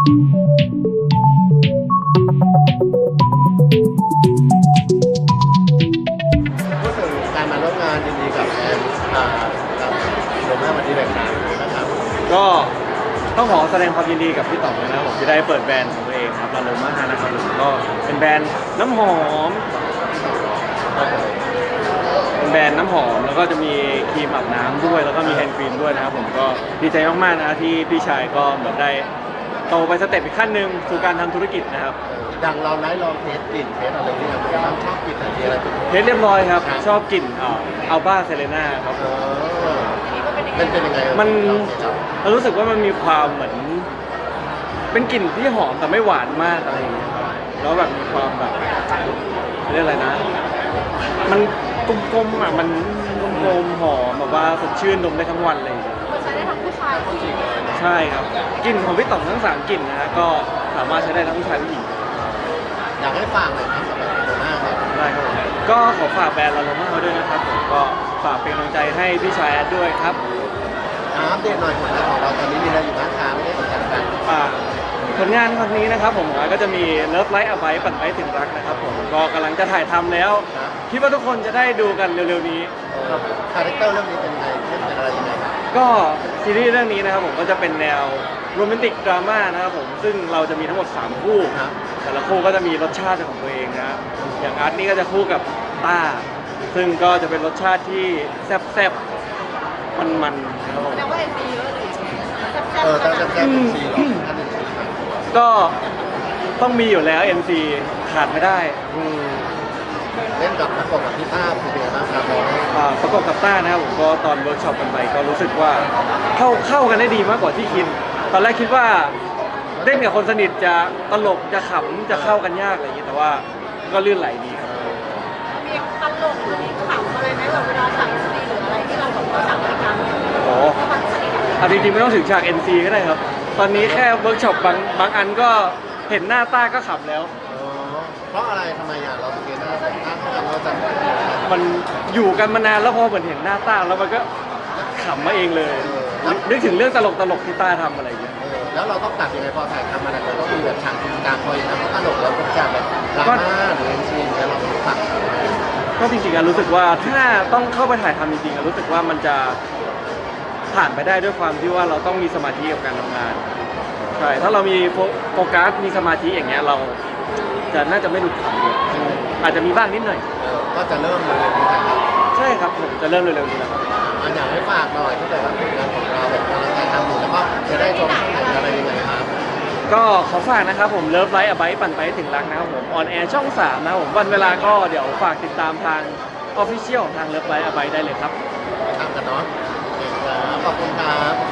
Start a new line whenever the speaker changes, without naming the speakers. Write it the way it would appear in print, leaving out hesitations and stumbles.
พูดถึงการมาร่วมงานยินดีกับแอนกับโรม่าวันนี้แบบนั้นนะครับ
ก็ต้องขอแสดงความยินดีกับพี่ต๋องนะครับผมที่ได้เปิดแบรนด์ของตัวเองครับลาโลมานะครับผมก็เป็นแบรนด์น้ำหอมเป็นแบรนด์น้ำหอมแล้วก็จะมีครีมอาบน้ำด้วยแล้วก็มีแฮนด์ครีมด้วยนะครับผมก็ดีใจมากๆนะที่พี่ชายก็เหมือนได้โตไปสเต็ปอีกขั้นหนึ่งสู่การทำธุรกิจนะครับ
อย่างเราได้ลองเทสกลิ่นเทสอะไรที่เราเป็นบ้างชอบกลิ่นอะไรอะไรเป็น
เทสเรียบร้อยครับชอบกลิ่นอัลบ้าเซเลน่าครับผม
เป็นยังไง
มันเรารู้สึกว่ามันมีความเหมือนเป็นกลิ่นที่หอมแต่ไม่หวานมากอะไรอย่างเงี้ยครับแล้วแบบมีความแบบเรียกอะไรนะ มันกลมๆอ่ะมันกลมๆหอมแบบว่าสดชื่นดมได้ทั้งวันเลย
ใช้ได้ทั้งผู้ชายผู้หญิง
ใช่ครับกลิ่นของพี่ต่องทั้ง3กลิ่นนะฮะก็สามารถใช้ได้ทั้งผู้ชายผู้หญิง
อยากให้ฟังเลยครับสำหรับโรม่าครับ
ได้ครับผมก็ขอฝากแบรนด์ลาโลมาด้วยนะครับผมก็ฝากเป็นกำลังใจให้พี่ชายแอดด้วยครับ
อัปเดตหน่อยผลงานของเราตอนนี้มีอะไรอยู่บ้างครับไม่ได้สนใจกัน
ผลงานวันนี้นะครับผมก็จะมี Love Light a b i t e ปั่นไปถึงรักนะครับผมก็กำลังจะถ่ายทำแล้วคิดว่าทุกคนจะได้ดูกันเร็วๆนี้ครับ
คาแรคเตอร์เรื่องนี้เป็นยังไงเรื่องเป็นอะไรยังไงครับ
ก็ซีรีส์เรื่องนี้นะครับผมก็จะเป็นแนวโรแมนติกดราม่านะครับผมซึ่งเราจะมีทั้งหมด3คู่
ครับ
แต่ละคู่ก็จะมีรสชาติของตัวเองนะอย่างอาร์ตนี่ก็จะคู่กับต้าซึ่งก็จะเป็นรสชาติที่แซ่บๆมันๆนะครับผม
แปลว่าเอ็นซีเยอะเลยแซ่บ
ตั้ง
ๆข
แต่
นาด
แรกเป็นซีหรอท่านเป็นซีครับ
ก็ต้องมีอยู่แล้ว NC ขาดไม่ได้
เล่นกับประกบกับพี่ต้าเป็นยังไงบ้างครับน้อง
ประกอบกับต้านะครับผมก็ตอนเวิร์กช็อปกันไปก็รู้สึกว่าเข้ากันได้ดีมากกว่าที่คิด ตอนแรกคิดว่าเล่นกับคนสนิทจะตลกจะขำจะเข้ากันยากอะไรอย่างนี้แต่ว่าก็ลื่นไหลดีครับ
มีตลกหรือมีขำอะไรไหมแบบเวลาสั่งซีหรืออะไรที่เราแบบว่าสั่งรายการ
โอ้
เพราะมันสนิทกัน
เอาจริงๆไม่ต้องถึงฉาก NC ก็ได้ครับ ตอนนี้แค่เวิร์กช็อปบางอันก็เห็นหน้าต้าก็ขำแล้ว
เพราะอะไรทำไมเราสังเกตว่าต้าเขาทำเราจะ
มันอยู่กันมานานแล้วพอเหมือนเห็นหน้าต้าแล้วมันก็ขำมาเองเลยนึกถึงเรื่องตลกๆที่ต้าทำอะไรอย่างเงี้ย
แล้วเราต้องตัดยังไงพอถ่ายทำมาแล้วก็มีแบบฉากตรงกลางคอยนะเพราะตลกแล้วเป็นฉากแบบดราม่าหรือเอ็นซีเนี่ยเราต้องตัด
ก็จริงๆรู้สึกว่าถ้าต้องเข้าไปถ่ายทำจริงๆรู้สึกว่ามันจะผ่านไปได้ด้วยความที่ว่าเราต้องมีสมาธิกับการทำงานใช่ถ้าเรามีโฟกัสมีสมาธิอย่างเงี้ยเราจะน่าจะไม่หลุดขำเลยอาจจะมีบ้างนิดหน่อย
ก็จะเริ่มเลยนะครับ
ใช่ครับผมจะเริ่มเร็วๆนี้แล้วครับ
อยากให้ฝากหน่อยถ้าเกิดว่าผลงานของเราแบบกำลังถ่ายทำอยู่แล้วก็จะได้ชมช่องไหนอะไรยังไงครับ
ก็ขอฝากนะครับผมเลิฟไลท์อ b ไบปั่นไปให้ถึงรักนะครับผมออนแอร์ช่อง3นะครับผมวันเวลาก็เดี๋ยวฝากติดตามทางออฟฟิเชียลของทางเลิฟไลท์อ b ไบได้เลยครับ
ทำกันเนาะขอบคุณครับ